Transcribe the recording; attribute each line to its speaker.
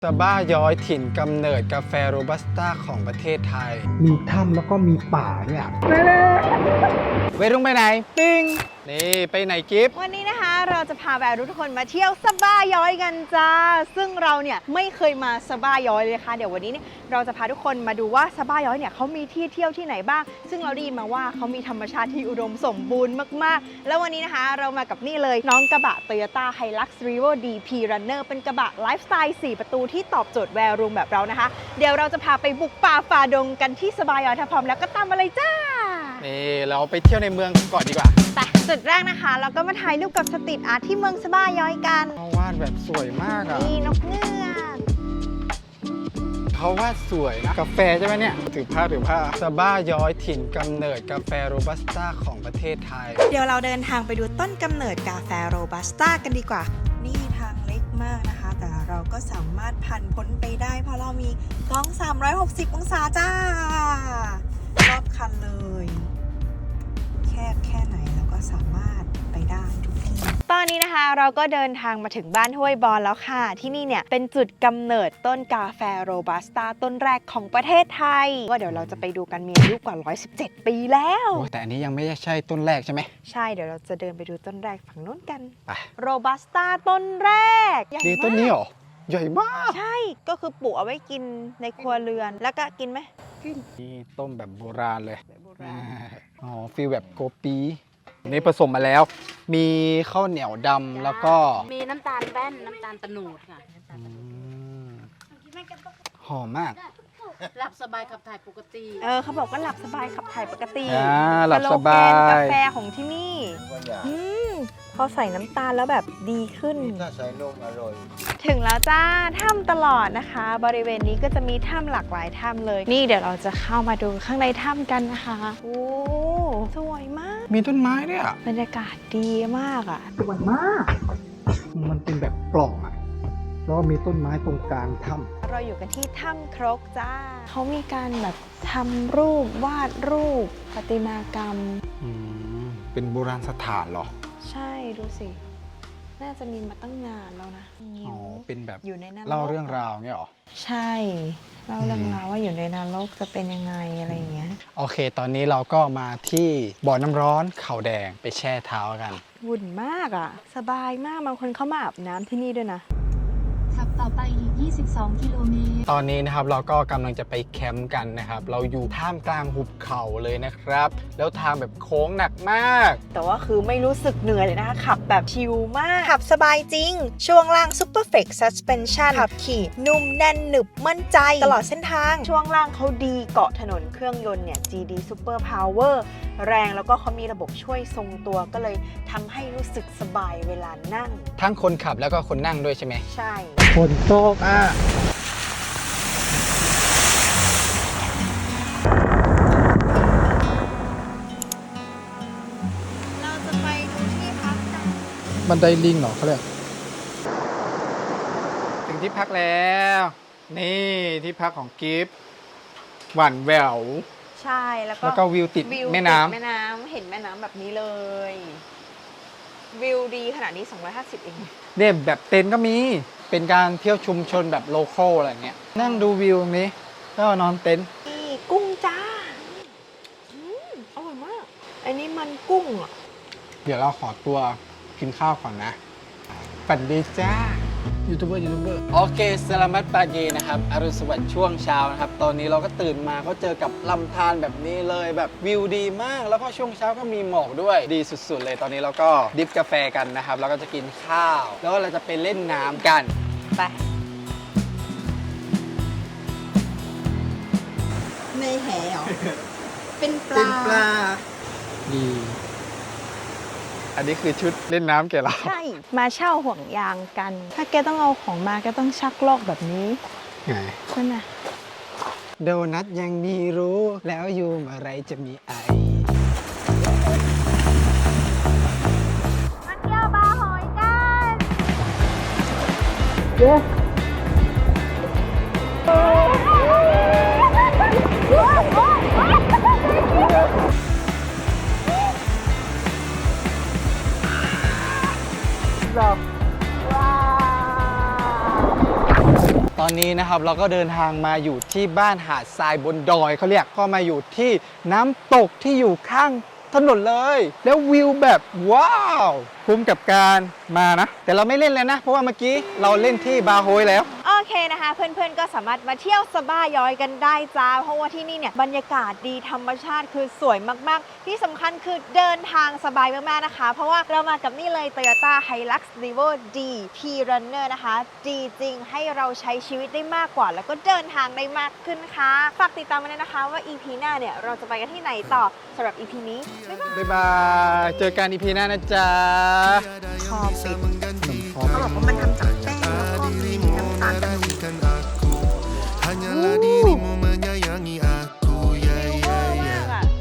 Speaker 1: สบ้าย้อยถิ่นกำเนิดกาแฟโรบัสต้าของประเทศไทย
Speaker 2: มีถ้ำแล้วก็มีป่าเนี่ย
Speaker 1: เวรุ่งไปไหน ปิ้ง นี่ไปไหนกิฟต์
Speaker 3: วันนี้นะคะเราจะพาแววทุกคนมาเที่ยวสบ้าย้อยกันจ้าซึ่งเราเนี่ยไม่เคยมาสบ้าย้อยเลยค่ะเดี๋ยววันนี้เนี่ยเราจะพาทุกคนมาดูว่าสบ้าย้อยเนี่ยเขามีที่เที่ยวที่ไหนบ้างซึ่งเราได้ยินมาว่าเขามีธรรมชาติที่อุดมสมบูรณ์มากๆแล้ววันนี้นะคะเรามากับนี่เลยน้องกระบะ Toyota Hilux Revo DP Runner เป็นกระบะไลฟ์สไตล์4ประตูที่ตอบโจทย์แวร์รูมแบบเรานะคะเดี๋ยวเราจะพาไปบุกป่าฝ่าดงกันที่สบ้าย้อยถ้าพร้อมแล้วก็ตามมาเลยจ้า
Speaker 1: นี่เราไปเที่ยวในเมืองก่อนดีกว่า
Speaker 3: แต่จุดแรกนะคะเราก็มาถ่ายรูปกับสตรีทอาร์ตที่เมืองสบ้าย้อยกัน
Speaker 1: เขาวาดแบบสวยมากอ่ะ
Speaker 3: นี่นกเงือก
Speaker 1: เขาวาดสวยนะ กาแฟใช่ไหมเนี่ย ถือผ้าสบ้าย้อยถิ่นกำเนิดกาแฟโรบัสต้าของประเทศไทย
Speaker 3: เดี๋ยวเราเดินทางไปดูต้นกำเนิดกาแฟโรบัสต้ากันดีกว่านี่ทางเล็กมากนะคะแต่เราก็สามารถผ่านพ้นไปได้เพราะเรามีกล้อง360องศาจ้ารอบคันเลยแคบแค่ไหนเราก็สามารถไปได้ทุกที่ตอนนี้นะคะเราก็เดินทางมาถึงบ้านห้วยบอนแล้วค่ะที่นี่เนี่ยเป็นจุดกำเนิดต้นกาแฟโรบัสต้าต้นแรกของประเทศไทยว่าเดี๋ยวเราจะไปดูกันมีอายุกว่า117 ปีแล้ว
Speaker 1: โอ้แต่อันนี้ยังไม่ใช่ต้นแรกใช่ไหม
Speaker 3: ใช่เดี๋ยวเราจะเดินไปดูต้นแรกฝั่งนู้นกัน
Speaker 1: ไป
Speaker 3: โรบัสต้าต้นแรกใหญ่
Speaker 1: นี่
Speaker 3: มาก
Speaker 1: ต้นนี้เหรอ ใหญ่มาก
Speaker 3: ใช่ก็คือปลูกเอาไว้กินในครัวเรือนแล้วก็กินไหม
Speaker 1: นี่ต้มแบบโบราณเลย อ๋อฟีลแบบโกปีนี่ผสมมาแล้ว มีข้าวเหนียวดำแล้วก็
Speaker 4: มีน้ำตาลแป้นน้ำตาลตะโนดค่ะ
Speaker 1: อืมหอมมาก
Speaker 4: หลับสบายขับถ่ายปกติ
Speaker 3: เขาบอกว่าหลับสบายขับถ่ายปกติ
Speaker 1: หลับสบา
Speaker 3: สโลแกนกาแฟ
Speaker 1: ย
Speaker 3: ของที่นี่พอใส่น้ำตาลแล้วแบบดีขึ้น
Speaker 2: ถ้าใส่นมอร่อย
Speaker 3: ถึงแล้วจ้าถ้ำตลอดนะคะ บริเวณนี้ก็จะมีถ้ำหลากหลายถ้ำเลย นี่เดี๋ยวเราจะเข้ามาดูข้างในถ้ำกันนะคะโอ้สวยมาก
Speaker 1: มีต้นไม้ด้วยอ่ะ
Speaker 3: บรรยากาศดีมากอ่ะ
Speaker 2: สวยมาก มันเป็นแบบปล่องอ่ะ แล้วก็มีต้นไม้ตรงกลางถ้ำ
Speaker 3: เราอยู่กันที่ถ้ำครกจ้า เขามีการแบบทำรูปวาดรูปประติมากรรม
Speaker 1: เป็นโบราณสถานเหรอ
Speaker 3: ใช่ดูสิ น่าจะมีมาตั้งนานแล้วนะ
Speaker 1: อ๋อ เป็นแบบ
Speaker 3: อยู่ในนั้น
Speaker 1: เล่าเรื่องราวเงี้ยเหรอ
Speaker 3: ใช่เล่าเรื่องราวว่าอยู่ในนรกจะเป็นยังไงอะไรอย่างเงี้ย
Speaker 1: โอเค ตอนนี้เราก็มาที่บ่อน้ำร้อนเขาแดงไปแช่เท้ากัน
Speaker 3: วุ่นมากอ่ะ สบายมากบางคนเข้ามาอาบน้ำที่นี่ด้วยนะ
Speaker 5: ขับต่อไปอีก 22 กิโลเมตร
Speaker 1: ตอนนี้นะครับเราก็กำลังจะไปแคมป์กันนะครับ เราอยู่ท่ามกลางหุบเขาเลยนะครับ แล้วทางแบบโค้งหนักมาก
Speaker 3: แต่ว่าคือไม่รู้สึกเหนื่อยเลยนะคะขับแบบชิลมาก ขับสบายจริง ช่วงล่าง Super Flex Suspension ขับขี่นุ่มแน่นหนึบมั่นใจตลอดเส้นทาง ช่วงล่างเขาดีเกาะถนนเครื่องยนต์เนี่ย GD Super Power แรงแล้วก็เขามีระบบช่วยทรงตัวก็เลยทำให้รู้สึกสบายเวลานั่ง
Speaker 1: ทั้งคนขับแล้วก็คนนั่งด้วยใช่ไหม
Speaker 3: ใช่
Speaker 2: คนโตกอ่ะ
Speaker 3: เราจะไปดูที่พักกัน
Speaker 1: บันไดลิงเหรอเขาเรียกถึงที่พักแล้ว นี่ที่พักของกิฟต์หวานแหวว
Speaker 3: ใช่แล้ว
Speaker 1: แล้วก็วิวติด
Speaker 3: วิว
Speaker 1: แม่น้ำ
Speaker 3: ติดแม่น้ำเห็นแม่น้ำแบบนี้เลย วิวดีขนาดนี้250เอง
Speaker 1: เนี่ยแบบเต็นท์ก็มี เป็นการเที่ยวชุมชนแบบโลคอลอะไรเงี้ย นั่งดูวิวตรงนี้ก็นอนเต็นท์
Speaker 3: นี่กุ้งจ้าอร่อยมาก อันนี้มันกุ้งอ่ะ
Speaker 1: เดี๋ยวเราขอตัวกินข้าวก่อนนะ ฝันดีจ้า ยูทูบเบอร์โอเคสลามัตปาเกนะครับอรุณสวัสดิ์ช่วงเช้านะครับ ตอนนี้เราก็ตื่นมาก็เจอกับลำธารแบบนี้เลยแบบวิวดีมาก แล้วก็ช่วงเช้าก็มีหมอกด้วยดีสุดๆเลย ตอนนี้เราก็ดิฟกาแฟกันนะครับ แล้วก็จะกินข้าว แล้วก็เราจะไปเล่นน้ำกัน
Speaker 3: ไป ในแหเหรอ เป็นปลา
Speaker 1: ดีอันนี้คือชุดเล่นน้ำแกเรา
Speaker 3: ใช่ มาเช่าห่วงยางกัน ถ้าแกต้องเอาของมาแกต้องชักลอกแบบนี้
Speaker 1: ไง
Speaker 3: ใช่ไหม
Speaker 1: โดนัทยังมีรู้แล้วยูมอะไรจะมีไอ
Speaker 3: มาเที่ยวบาร์หอยกัน
Speaker 1: ตอนอนนี้นะครับเราก็เดินทางมาอยู่ที่บ้านหาดทรายบนดอยเขาเรียกก็มาอยู่ที่น้ำตกที่อยู่ข้างถนนเลย แล้ววิวแบบว้าวคุ้มกับการมานะ แต่เราไม่เล่นเลยนะ เพราะว่าเมื่อกี้เราเล่นที่บาโฮยแล้ว
Speaker 3: โอเคนะคะ เพื่อนๆก็สามารถมาเที่ยวสบาย้อยกันได้จ้าเพราะว่าที่นี่เนี่ยบรรยากาศดีธรรมชาติคือสวยมากๆ ที่สำคัญคือเดินทางสบายมากๆนะคะ เพราะว่าเรามากับนี่เลย Toyota Hilux Revo D P-Runner นะคะดีจริงให้เราใช้ชีวิตได้มากกว่า แล้วก็เดินทางได้มากขึ้นค่ะฝากติดตามมาเลยนะคะว่า EP หน้าเนี่ยเราจะไปกันที่ไหนต่อสำหรับ EP นี้บ๊ายบาย
Speaker 1: บ๊ายบาย เจอกันอีพีหน้านะจ๊ะ
Speaker 3: คอปิด
Speaker 2: ขนมคอ
Speaker 3: เขาบอกว่ามันทำจากแป้งแล้วก็มีน้ำตาล